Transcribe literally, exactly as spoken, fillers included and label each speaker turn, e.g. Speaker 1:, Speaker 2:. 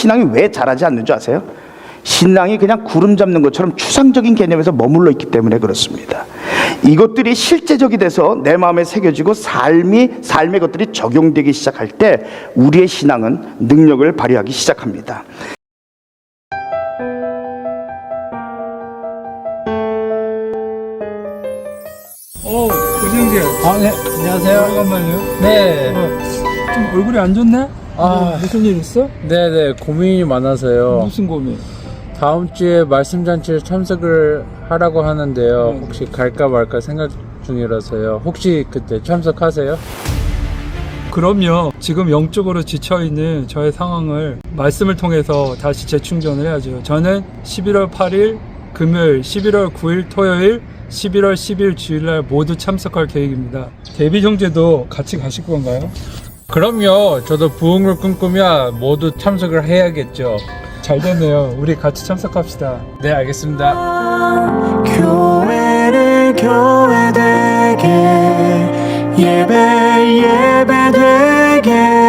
Speaker 1: 신앙이 왜 잘하지 않는 줄 아세요? 신앙이 그냥 구름 잡는 것처럼 추상적인 개념에서 머물러 있기 때문에 그렇습니다. 이것들이 실제적이 돼서 내 마음에 새겨지고 삶이 삶의 것들이 적용되기 시작할 때 우리의 신앙은 능력을 발휘하기 시작합니다.
Speaker 2: 어, 은영재.
Speaker 3: 아, 네. 안녕하세요.
Speaker 2: 잠깐만요.
Speaker 3: 네.
Speaker 2: 어, 좀 얼굴이 안 좋네?
Speaker 3: 아.
Speaker 2: 어, 무슨 일 있어?
Speaker 3: 네네. 고민이 많아서요.
Speaker 2: 무슨 고민?
Speaker 3: 다음 주에 말씀잔치에 참석을 하라고 하는데요.
Speaker 2: 네.
Speaker 3: 혹시 갈까 말까 생각 중이라서요. 혹시 그때 참석하세요?
Speaker 2: 그럼요. 지금 영적으로 지쳐있는 저의 상황을 말씀을 통해서 다시 재충전을 해야죠. 저는 십일월 팔일 금요일, 십일월 구일 토요일, 십일월 십일 주일날 모두 참석할 계획입니다. 데뷔 형제도 같이 가실 건가요?
Speaker 3: 그럼요. 저도 부흥을 꿈꾸며 모두 참석을 해야겠죠.
Speaker 2: 잘 됐네요. 우리 같이 참석합시다.
Speaker 3: 네, 알겠습니다.
Speaker 4: 교회를 교회되게 예배 예배되게